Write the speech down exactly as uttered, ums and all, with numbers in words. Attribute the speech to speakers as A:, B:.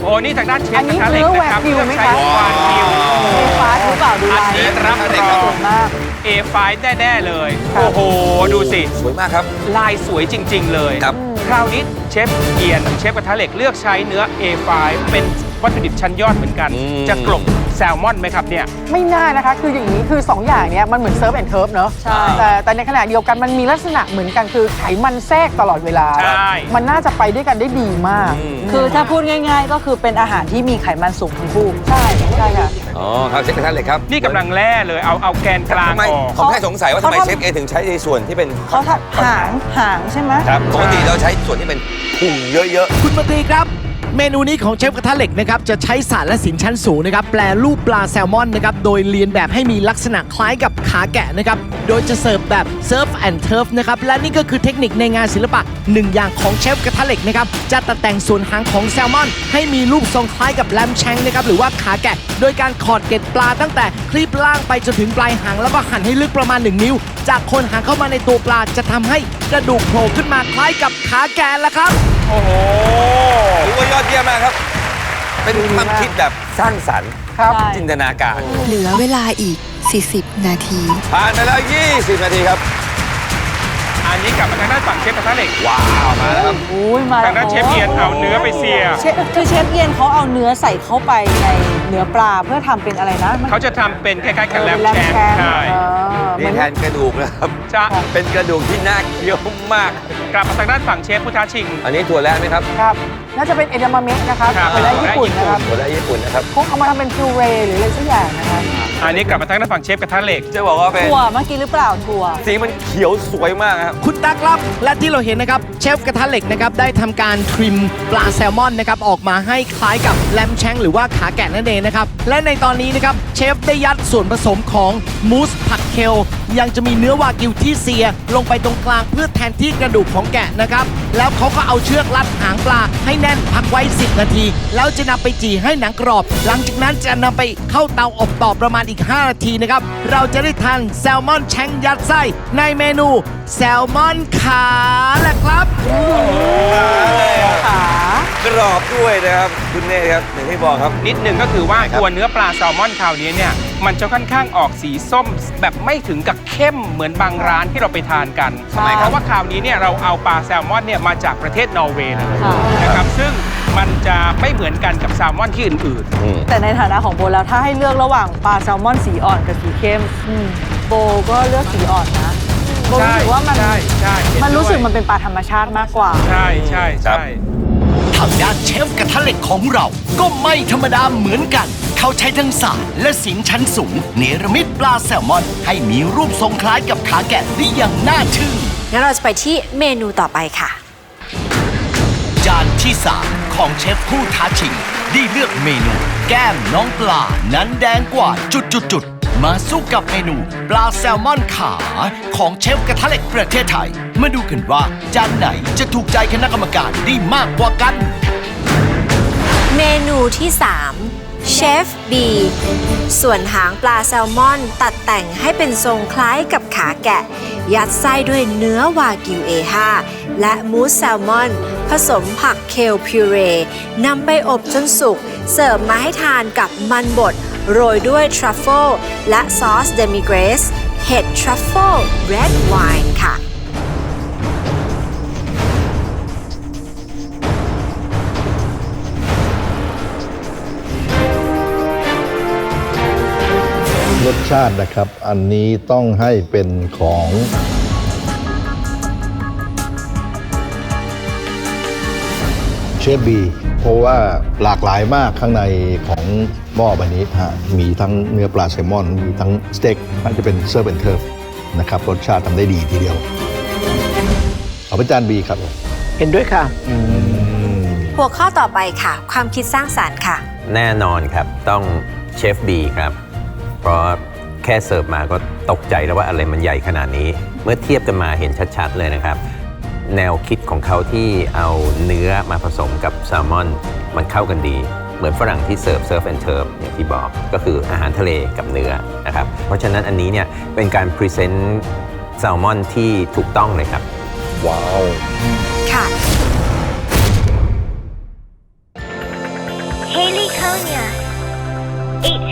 A: อ้นี่ทางด้านเชฟกระทะเหล็กนะครับ
B: เลือกใช้วากิว
A: เอ
B: ฟ้าหรือเปล่าดูลาย
A: อันนี้รับรองเอไฟแน่ๆเลยโอ้โหดูสิ
C: สวยมากครับ
A: ลายสวยจริงๆเลย
C: ครับ
A: คราวนี้เชฟเอียนเชฟกระทะเหล็กเลือกใช้เนื้อ เอ ไฟว์ เป็นวัตถุดิบชั้นยอดเหมือนกันจะกลบแซลมอนไหมครับเนี่ย
B: ไม่น่านะคะคืออย่างนี้คือสองอย่างเนี้ยมันเหมือนเซิร์ฟแอนด์เทิร์ฟเนอะใช่แต่แต่ในขณะเดียวกันมันมีลักษณะเหมือนกันคือไขมันแทรกตลอดเวลามันน่าจะไปด้วยกันได้ดีมาก
D: คือถ้าพูดง่ายๆก็คือเป็นอาหารที่มีไขมันสูงทั้งคู่
B: ใช่ใช่ค่ะ
C: อ๋อครับเชฟกระทะเหล็กครับ
A: นี่กำลังแล่เลยเอาเอาแกนกลางออก
C: ผมแค่สงสัยว่าทำไมเชฟเอถึงใช้ในส่วนที่เป็น
D: เขาทำหางหางใช่ไหม
C: ครับปกติเราใช้ส่วนที่เป็นพุงเยอะ
E: ๆคุณมนตรีครับเมนูนี้ของเชฟกระทะเหล็กนะครับจะใช้สารและสินชั้นสูงนะครับแปลรูปปลาแซลมอนนะครับโดยเรียนแบบให้มีลักษณะคล้ายกับขาแกะนะครับโดยจะเสิร์ฟแบบเซิร์ฟแอนด์เทิร์ฟนะครับและนี่ก็คือเทคนิคในงานศิลปะหนึ่งอย่างของเชฟกระทะเหล็กนะครับจะตัดแต่งส่วนหางของแซลมอนให้มีรูปทรงคล้ายกับแลมแชงนะครับหรือว่าขาแกะโดยการขอดเกล็ดปลาตั้งแต่คลีบล่างไปจนถึงปลายหางแล้วก็หั่นให้ลึกประมาณหนึ่งนิ้วจากโคนหางเข้ามาในตัวปลาจะทำให้กระดูกโผล่ขึ้นมาคล้ายกับขาแกะละครับ
A: โอ้โห
C: ถือว่ายอดเยี่ยมมากครับเป็นความคิดแบบสร้างสรรค์จินตนาการ
F: เหลือเวลาอีกสี่สิบนาที
C: ผ่านไปแล้วยี่สิบนาทีครับ
A: อันนี้กลับมาทางด้านฝั่งเชฟกระทะเหล็ก
C: ว้าวมาแล้วครับ
A: ทางด้านเชฟเอียนเอาเนื้อไปเสีย
D: คือเชฟเอียนเขาเอาเนื้อใส่เข้าไปในเนื้อปลาเพื่อทำเป็นอะไรนะ
A: เขาจะทำเป็นคล้ายๆกับแลมแชงใช่
C: นี่แทนกระดูกนะครับ
A: จะ
C: เป็นกระดูกที่น่าเคี้ยวมาก
A: กลับมาทางด้านฝั่งเชฟพุทธาชิง
C: อันนี้ถั่วแระไหมครับ
B: ครับน่าจะเป็นเอดามะเมะนะครับถั่วแระญี่ปุ่นนะครับ
C: ถั่วแระญี่ปุ่นนะครับ
B: คงเอามาทำเป็นพิวเรหรืออะไรสักอย่างนะครับ
A: อันนี้กลับมาทางด้านฝั่งเชฟกระทะเหล็ก
C: จะบอกว่าเป็น
D: ถั่วเมื่อกี้หรือเปล่าถั่ว
C: สีมันเขียวสวยมากครับ
E: คุณตั๊กครับและที่เราเห็นนะครับเชฟกระทะเหล็กนะครับได้ทำการทริมปลาแซลมอนนะครับออกมาให้คล้ายกับแลมแชงหรือว่าขาแกะนั่นเองนะครับและในตอนนี้นะครับเชฟได้ยัดส่วนผสมของมูสผัดเคลยังจะมีเนื้อวากิวที่เสียลงไปตรงกลางเพื่อแทนที่กระดูกของแกะนะครับแล้วเขาก็เอาเชือกรัดหางปลาให้แน่นพักไว้สิบนาทีแล้วจะนำไปจี่ให้หนังกรอบหลังจากนั้นจะนำไปเข้าเตาอบต่อประมาณอีกห้านาทีนะครับเราจะได้ทานแซลมอนแชงยัดไส้ในเมนูแซลมอนขาแหละครับ
B: ข
C: ากรอบด้วยนะครับคุณเน่ครับอย่างที่บอกครับ
A: นิดหนึ่งก็คือว่าตัวเนื้อปลาแซลมอนคราวนี้เนี่ยมันจะค่อนข้างออกสีส้มแบบไม่ถึงกับเข้มเหมือนบางร้านที่เราไปทานกันเพราะว่าคราวนี้เนี่ยเราเอาปลาแซลมอนเนี่ยมาจากประเทศนอร์เวย์เลยนะครับซึ่งมันจะไม่เหมือนกันกับแซลมอนที่อื่น
D: ๆแต่ในฐานะของโบแล้วถ้าให้เลือกระหว่างปลาแซลมอนสีอ่อนกับสีเข้มโบก็เลือกสีอ่อนนะโบรู้สึกว่ามันมันรู้สึกมันเป็นปลาธรรมชาติมากกว่า
A: ใช่ใช่ใช่
E: ทางด้านเชฟกระทะเหล็กของเราก็ไม่ธรรมดาเหมือนกันเขาใช้ทั้งสารและสินชั้นสูงเนรมิตปลาแซลมอนให้มีรูปทรงคล้ายกับขาแกะได้อย่างน่าทึ่ง
F: งั้นเราจะไปที่เมนูต่อไปค่ะ
E: จานที่สามของเชฟผู้ท้าชิงได้เลือกเมนูแก้มน้องปลานั้นแดงกว่าจุดๆมาสู้กับเมนูปลาแซลมอนขาของเชฟกระทะเหล็กประเทศไทยมาดูกันว่าจานไหนจะถูกใจคณะกรรมการได้มากกว่ากัน
F: เมนูที่สามเชฟบีส่วนหางปลาแซลมอนตัดแต่งให้เป็นทรงคล้ายกับขาแกะยัดไส้ด้วยเนื้อวากิว เอ ห้า และมูสแซลมอนผสมผักเคลพิวเรนำไปอบจนสุกเสิร์ฟมาให้ทานกับมันบดโรยด้วยทรัฟเฟิลและซอสเดมิเกรสเห็ดทรัฟเฟิลเรดไวน์ค่ะ
G: รสชาตินะครับอันนี้ต้องให้เป็นของเชฟบีเพราะว่าหลากหลายมากข้างในของหม้อใบนี้ฮะมีทั้งเนื้อปลาแซลมอนมีทั้งสเต็กมันจะเป็นเซิร์ฟแอนด์เทิร์ฟนะครับรสชาติทำได้ดีทีเดียวเอาไปจานบีครับ
B: เห็นด้วยค่ะ
F: หัวข้อต่อไปค่ะความคิดสร้างสรรค์ค่ะ
H: แน่นอนครับต้องเชฟบีครับเพราะแค่เสิร์ฟมาก็ตกใจแล้วว่าอะไรมันใหญ่ขนาดนี้เมื่อเทียบกันมาเห็นชัดๆเลยนะครับแนวคิดของเขาที่เอาเนื้อมาผสมกับแซลมอนมันเข้ากันดีเหมือนฝรั่งที่เสิร์ฟเซิร์ฟแอนด์เทิร์ฟอย่างที่บอกก็คืออาหารทะเลกับเนื้อนะครับเพราะฉะนั้นอันนี้เนี่ยเป็นการพรีเซนต์แซลมอนที่ถูกต้องเลยครับ
G: ว้าว
F: ค่ะ
I: Haley Konya, eight